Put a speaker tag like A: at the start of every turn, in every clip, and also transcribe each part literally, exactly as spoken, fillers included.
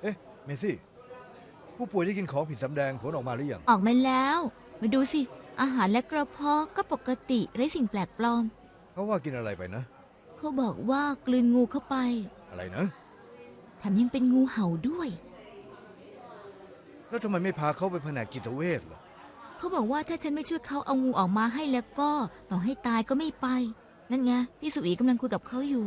A: เอ๊ะเมซี่ผู้ป่วยที่กินของผิดสำแดงผลออกมาหรือยัง
B: ออกมาแล้ว มาดูสิ อาหารและกระเพาะก็ปกติไร้สิ่งแปลกปลอม
A: เขาว่ากินอะไรไปนะ
B: เขาบอกว่ากลืนงูเข้าไป
A: อะไรนะ
B: แถมยังเป็นงูเห่าด้วย
A: แล้วทำไมไม่พาเขาไปแผนกจิตเวชล่ะ
B: เขาบอกว่าถ้าฉันไม่ช่วยเขาเอางูออกมาให้แล้วก็ต่อให้ตายก็ไม่ไป นั่นไงพี่สุอีกำลังคุยกับเขาอยู่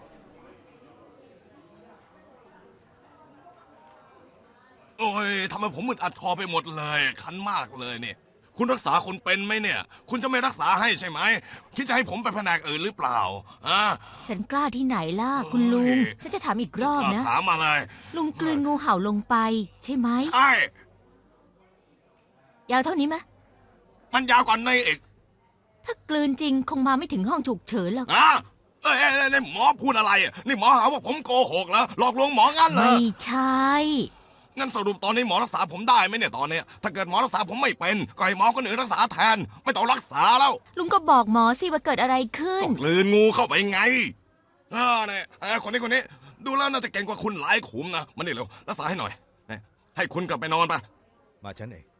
C: โอ้ยทำไมผมมึนอัดคอไปหมดเลย คันมากเลยเนี่ย คุณรักษาคนเป็นไหมเนี่ย คุณจะไม่รักษาให้ใช่ไหม คิดจะให้ผมไปแผนกอื่นหรือเปล่าอ่ะ
D: ฉันกล้าที่ไหนล่ะ คุณลุง
C: โอ้ย
D: ฉันจะถามอีกรอบนะ
C: ถามมาเลย
D: ลุงกลืนงูเห่าลงไป ใช่ไหม
C: ใช่
D: ยาวเท่านี้ไหม
C: มันยาวกว่านี้อีก
D: ถ้ากลืนจริงคงมาไม่ถึงห้องฉุกเฉินหรอก
C: อ่ะเอ้ยเอ้ยเอ้ยนี่หมอพูดอะไรอ่ะนี่หมอหาว่าผมโกหกแล้วหลอกลวงหมองั้นเหรอ
D: ไม่ใช่
C: งั้นสรุปตอนนี้หมอรักษาผมได้ไหมเนี่ยตอนเนี้ยถ้าเกิดหมอรักษาผมไม่เป็นก็ให้หมอคนอื่นรักษาแทน ไม่ต้องรักษาแล้ว
D: ลุงก็บอกหมอสิว่าเกิดอะไรขึ้น
C: ก็กลืนงูเข้าไปไงอ่าเนี่ยเอ้ยคนนี้คนนี้ ดูแล้วน่าจะเก่งกว่าคุณหลายขุมนะมานี่เร็วรักษาให้หน่อยเนี่ยให้คุณกลับไปนอนไป
A: มาฉันเอง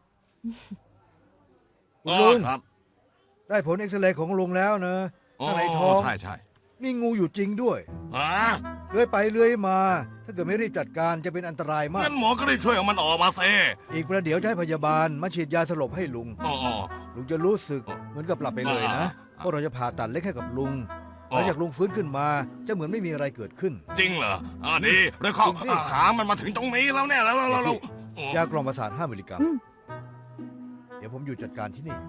A: คุณ
C: อ๋อ
A: ลุง
C: ครับ
A: ได้ผลเอ็กซเรย์ของลุงแล้วนะ
C: อ๋อ
A: ข้างในท้อง
C: ใช่ใช่
A: มีงูอยู่จริงด้วย
C: อ่า
A: เลื้อยไปเลื้อยมา ถ้าเกิดไม่รีบจัดการจะเป็นอันตรายมาก
C: งั้นหมอก็รีบช่วยเอามันออกมาเซ
A: อีกประเดี๋ยวจะให้พยาบาลมาฉีดยาสลบให้ลุง
C: อ๋ออ๋อ
A: ลุงจะรู้สึกเหมือนกับหลับไปเลยนะ
C: อ่า
A: เพราะเราจะผ่าตัดเล็กให้กับลุง
C: อ๋อ
A: หลังจากลุงฟื้นขึ้นมา จะเหมือนไม่มีอะไรเกิดขึ้น
C: จริงเหรออ่าดีเรื่องข้อ
A: จริงสิ
C: อาหารมันมาถึงตรงนี้แล้วเนี่ยแล้วแล้วแล้วแล้วอ๋อย
A: ากล่อมประสาทห้ามิลลิกรัม
B: อืม
A: เดี๋ยวผมอยู่จัดการที่นี่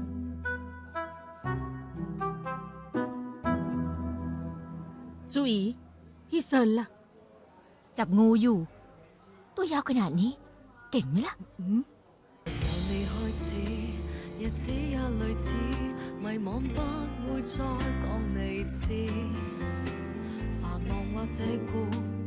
E: จูอีพี่เซินล่ะ
D: จับงูอยู่ ตัวยาวขนาดนี้ เก่งไหมล่ะ
E: อืม
F: 由你開始，日子也類似，迷惘不會再講你知，繁忙或者攰。